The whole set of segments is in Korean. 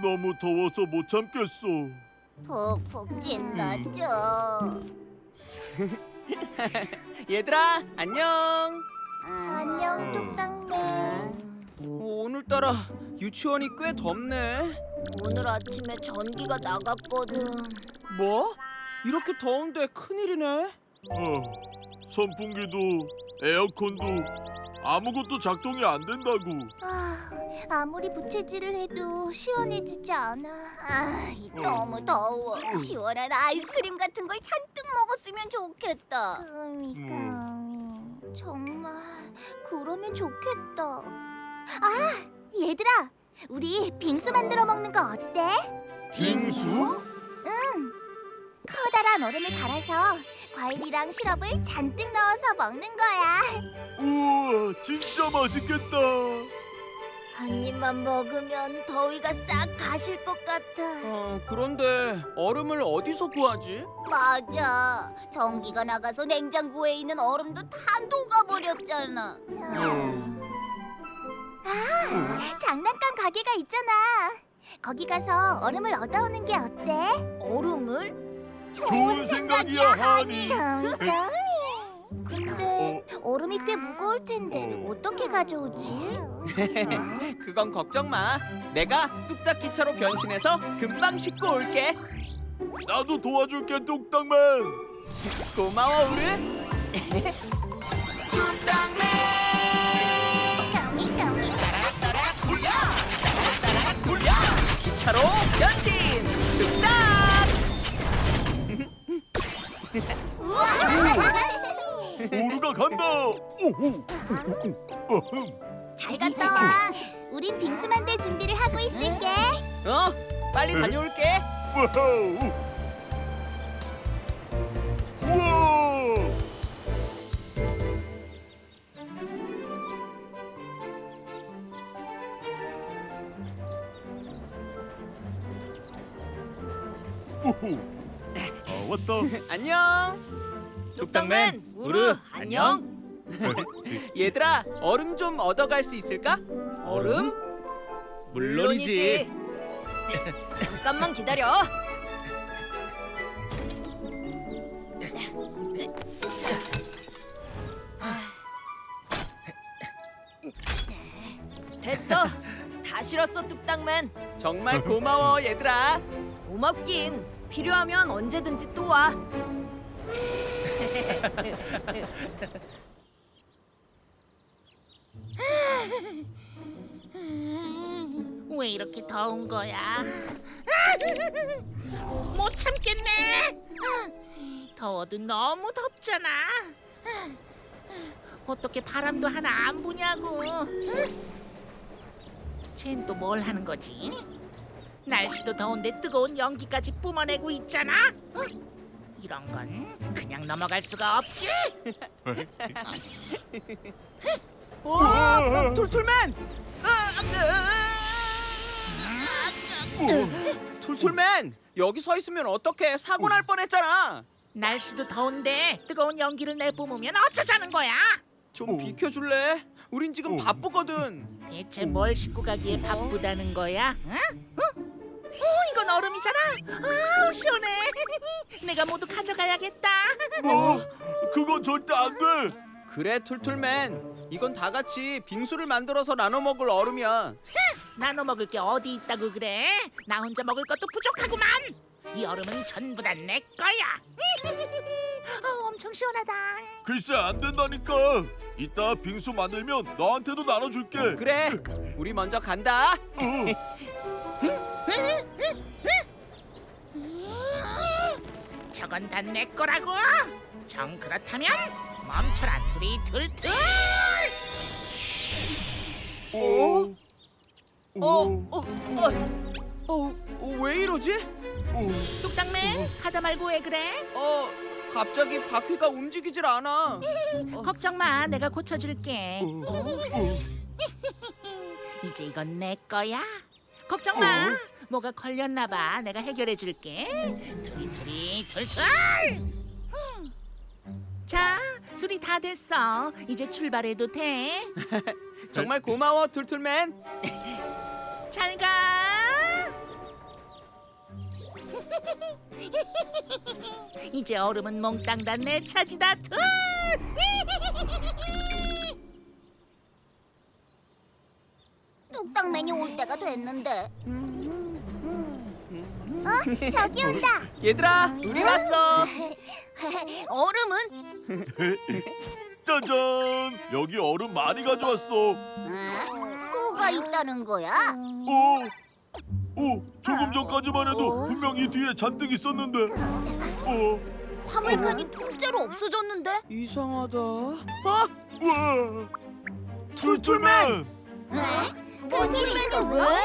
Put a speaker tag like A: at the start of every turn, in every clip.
A: 너무 더워서 못 참겠어.
B: 푹푹 찐다죠.
C: 얘들아, 안녕.
B: 안녕, 뚝딱맨.
C: 오늘따라 유치원이 꽤 덥네.
B: 오늘 아침에 전기가 나갔거든.
C: 뭐? 이렇게 더운데 큰일이네.
A: 선풍기도 에어컨도 아무것도 작동이 안 된다고.
B: 아무리 부채질을 해도 시원해지지 않아. 너무 더워. 시원한 아이스크림 같은 걸 잔뜩 먹었으면 좋겠다. 정말 그러면 좋겠다. 얘들아, 우리 빙수 만들어 먹는 거 어때?
A: 빙수?
B: 응. 커다란 얼음을 갈아서 과일이랑 시럽을 잔뜩 넣어서 먹는 거야.
A: 우와, 진짜 맛있겠다.
B: 한 입만 먹으면 더위가 싹 가실 것 같아.
C: 그런데 얼음을 어디서 구하지?
B: 맞아. 전기가 나가서 냉장고에 있는 얼음도 다 녹아버렸잖아. 장난감 가게가 있잖아. 거기 가서 얼음을 얻어오는 게 어때? 얼음을?
A: 좋은 생각이야, 하니.
B: 근데 얼음이 꽤 무거울 텐데 어떻게 가져오지?
C: 그건 걱정 마. 내가 뚝딱 기차로 변신해서 금방 싣고 올게.
A: 나도 도와줄게, 뚝딱맨.
C: 고마워, 어른. 따라락 굴려! 따라락 굴려! 기차로 변신! 뚝딱!
A: 오르가 간다. 오호.
B: 잘 갔다 와. 우린 빙수 만들 준비를 하고 있을게.
C: 빨리 다녀올게.
A: 와우. 우와. 오호. 왔다.
C: 안녕.
D: 뚝딱맨, 우르, 안녕.
C: 얘들아, 얼음 좀 얻어갈 수 있을까?
D: 얼음? 물론이지. 잠깐만 기다려. 됐어. 다 실었어, 뚝딱맨.
C: 정말 고마워, 얘들아.
D: 고맙긴. 필요하면 언제든지 또 와.
E: 왜 이렇게 더운 거야? 못 참겠네. 더워도 너무 덥잖아. 어떻게 바람도 하나 안 부냐고. 쟨 또 뭘 하는 거지? 날씨도 더운데 뜨거운 연기까지 뿜어내고 있잖아. 이런 건 그냥 넘어갈 수가 없지.
C: 툴툴맨! 툴툴맨! 여기 서 있으면 어떡해? 사고 날 뻔했잖아.
E: 날씨도 더운데 뜨거운 연기를 내뿜으면 어쩌자는 거야?
C: 좀 비켜줄래? 우린 지금 바쁘거든.
E: 대체 뭘 싣고 가기에 바쁘다는 거야? 응? 이건 얼음이잖아. 아우 시원해. 내가 모두 가져가야겠다.
A: 뭐? 그건 절대 안 돼.
C: 그래, 툴툴맨. 이건 다 같이 빙수를 만들어서 나눠 먹을 얼음이야.
E: 나눠 먹을 게 어디 있다고 그래? 나 혼자 먹을 것도 부족하구만. 이 얼음은 전부 다 내 거야. 엄청 시원하다.
A: 글쎄 안 된다니까. 이따 빙수 만들면 너한테도 나눠줄게.
C: 그래, 우리 먼저 간다.
E: 저건 다 내 거라고. 정 그렇다면 멈춰라 투리툴툴.
C: 왜 이러지?
E: 뚝딱맨 하다 말고 왜 그래?
C: 갑자기 바퀴가 움직이질 않아.
E: 걱정 마, 내가 고쳐줄게. 이제 이건 내 거야. 걱정 마. 뭐가 걸렸나 봐. 내가 해결해 줄게. 투리투리 툴툴. 자, 술이 다 됐어. 이제 출발해도 돼.
C: 정말 고마워, 툴툴맨.
E: 잘 가. 이제 얼음은 몽땅 다 내 차지다. 툴!
B: 뚝딱맨이 올 때가 됐는데. 저기 온다.
C: 얘들아, 우리 왔어.
B: 얼음은?
A: 짜잔! 여기 얼음 많이 가져왔어.
B: 뭐가 있다는 거야?
A: 조금 전까지만 해도 분명히 뒤에 잔뜩 있었는데.
B: 화물칸이 통째로 없어졌는데?
C: 이상하다.
A: 우와! 툴툴맨!
B: 툴툴맨이 왜?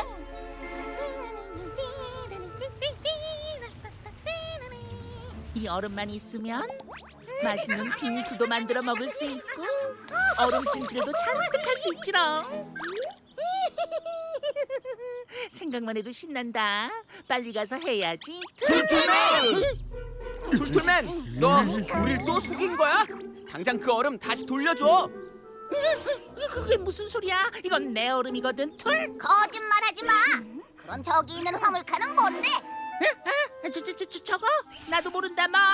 E: 이 얼음만 있으면 맛있는 빙수도 만들어 먹을 수 있고 얼음 찜질도 잔뜩 할 수 있지롱. 생각만 해도 신난다. 빨리 가서 해야지.
C: 툴툴맨, 너 우릴 또 속인 거야? 당장 그 얼음 다시 돌려줘.
E: 그게 무슨 소리야? 이건 내 얼음이거든. 툴.
B: 거짓말하지 마. 그럼 저기 있는 화물칸은 뭔데?
E: 저거 나도 모른다 뭐.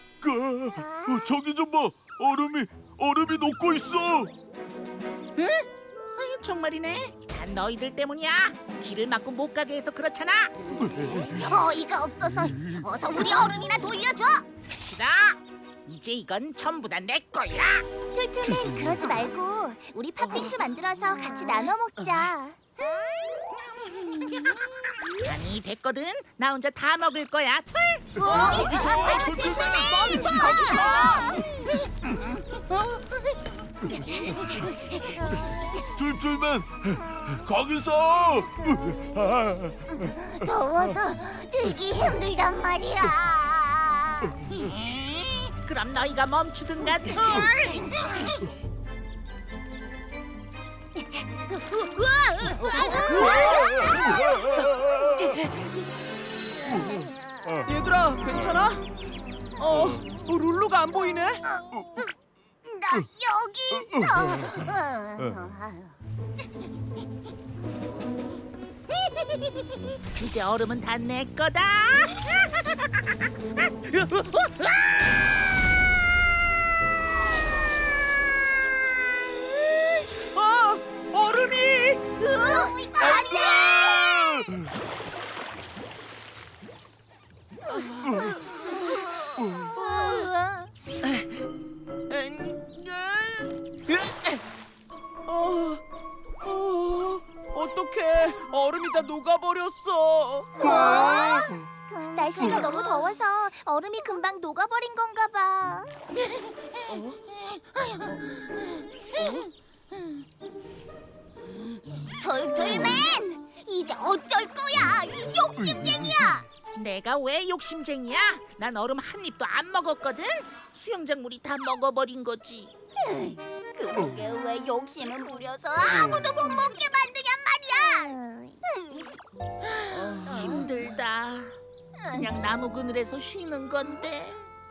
A: 저기 좀 봐. 얼음이 녹고 있어.
E: 아유, 정말이네. 다 너희들 때문이야. 길을 막고 못 가게 해서 그렇잖아.
B: 어이가 없어서 어서 우리 얼음이나 돌려줘.
E: 싫어. 이제 이건 전부 다 내 거야.
B: 툴툴맨 그러지 말고 우리 팥빙수 만들어서 같이 나눠 먹자.
E: 아니 됐거든. 나 혼자 다 먹을 거야. 툴.
A: 툴툴맨 거기서.
B: 더워서 들기 힘들단 말이야.
E: 그럼 너희가 멈추든가. 툴.
C: 얘들아, 괜찮아? 룰루가 안 보이네.
B: 나 여기 있어.
E: 이제 얼음은 다 내 거다.
C: 얼음이.
B: 아니야.
C: 어떡해, 얼음이 다 녹아버렸어.
B: 날씨가 너무 더워서 얼음이 금방 녹아버린 건가 봐. 툴툴맨, 이제 어쩔 거야? 이 욕심쟁이야.
E: 내가 왜 욕심쟁이야? 난 얼음 한 입도 안 먹었거든. 수영장 물이 다 먹어버린 거지.
B: 그러게 왜 욕심을 부려서 아무도 못 먹게 만드냔 말이야.
E: 힘들다. 그냥 나무 그늘에서 쉬는 건데.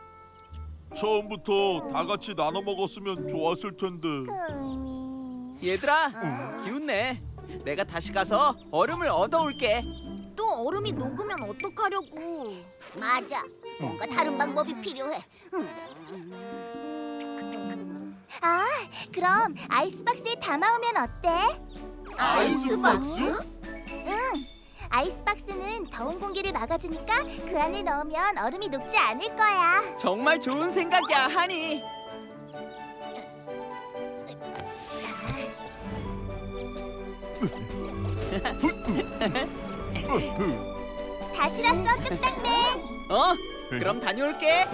A: 처음부터 다 같이 나눠 먹었으면 좋았을 텐데.
C: 얘들아, 기운내. 내가 다시 가서 얼음을 얻어올게.
D: 또 얼음이 녹으면 어떡하려고?
B: 맞아. 뭔가 다른 방법이 필요해. 아, 그럼 아이스박스에 담아오면 어때?
A: 아이스박스?
B: 응. 아이스박스는 더운 공기를 막아주니까 그 안에 넣으면 얼음이 녹지 않을 거야.
C: 정말 좋은 생각이야, 하니.
B: 다시 왔어, 뚝딱맨.
C: 그럼 다녀올게.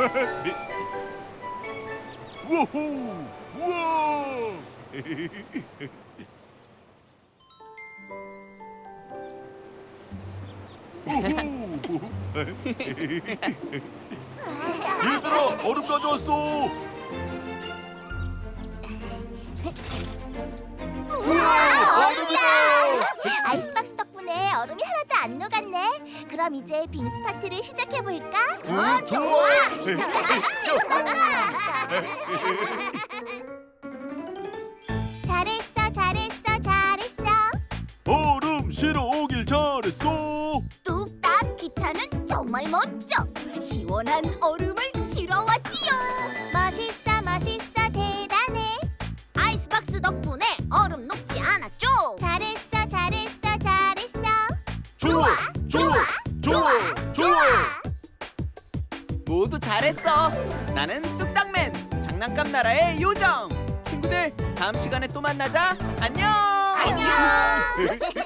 A: 우후! 우와! 얘들아, 얼음 가져왔어. 우와, 얼음이다.
B: 아이스박스 덕분에 얼음이 하나도 안 녹았네. 그럼 이제 빙수 파티를 시작해 볼까?
A: 좋아.
B: 잘했어, 잘했어, 잘했어.
A: 얼음 실어 오길 잘했어.
B: 뚝딱 기차는 좋아. 정말 멋져. 시원한 얼음을 실어 왔지요. 멋있어 멋있어 대단해. 아이스박스 덕분에 얼음 녹지 않았죠. 잘했어 잘했어 잘했어.
A: 좋아, 좋아, 좋아, 좋아.
C: 모두 잘했어. 나는 뚝딱맨 장난감 나라의 요정. 친구들 다음 시간에 또 만나자. 안녕.
B: 안녕.